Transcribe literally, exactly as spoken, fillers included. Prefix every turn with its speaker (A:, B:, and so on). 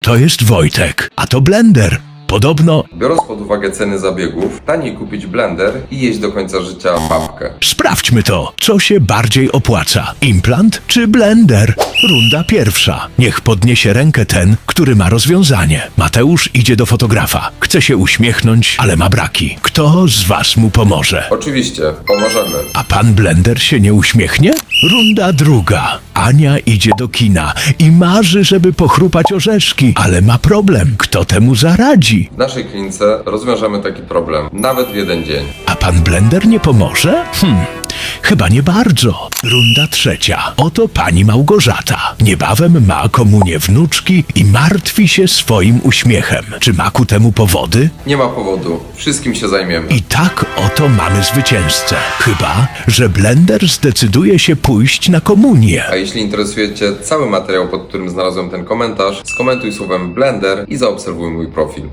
A: To jest Wojtek, a to blender. Podobno
B: Biorąc pod uwagę ceny zabiegów, taniej kupić blender i jeść do końca życia papkę.
A: sprawdźmy to, co się bardziej opłaca. Implant czy blender? Runda pierwsza. Niech podniesie rękę ten, który ma rozwiązanie. Mateusz idzie do fotografa. Chce się uśmiechnąć, ale ma braki. Kto z was mu pomoże?
B: Oczywiście, pomożemy.
A: A pan blender się nie uśmiechnie? Runda druga. Ania idzie do kina i marzy, żeby pochrupać orzeszki, ale ma problem. Kto temu zaradzi?
B: W naszej klinice rozwiążemy taki problem, nawet w jeden dzień.
A: A pan blender nie pomoże? Hmm, chyba nie bardzo. Runda trzecia. Oto pani Małgorzata. Niebawem ma komunię wnuczki i martwi się swoim uśmiechem. Czy ma ku temu powody?
B: Nie ma powodu, wszystkim się zajmiemy.
A: I tak oto mamy zwycięzcę. Chyba, że blender zdecyduje się pójść na komunię.
B: A jeśli interesuje Cię cały materiał, pod którym znalazłem ten komentarz, skomentuj słowem blender i zaobserwuj mój profil.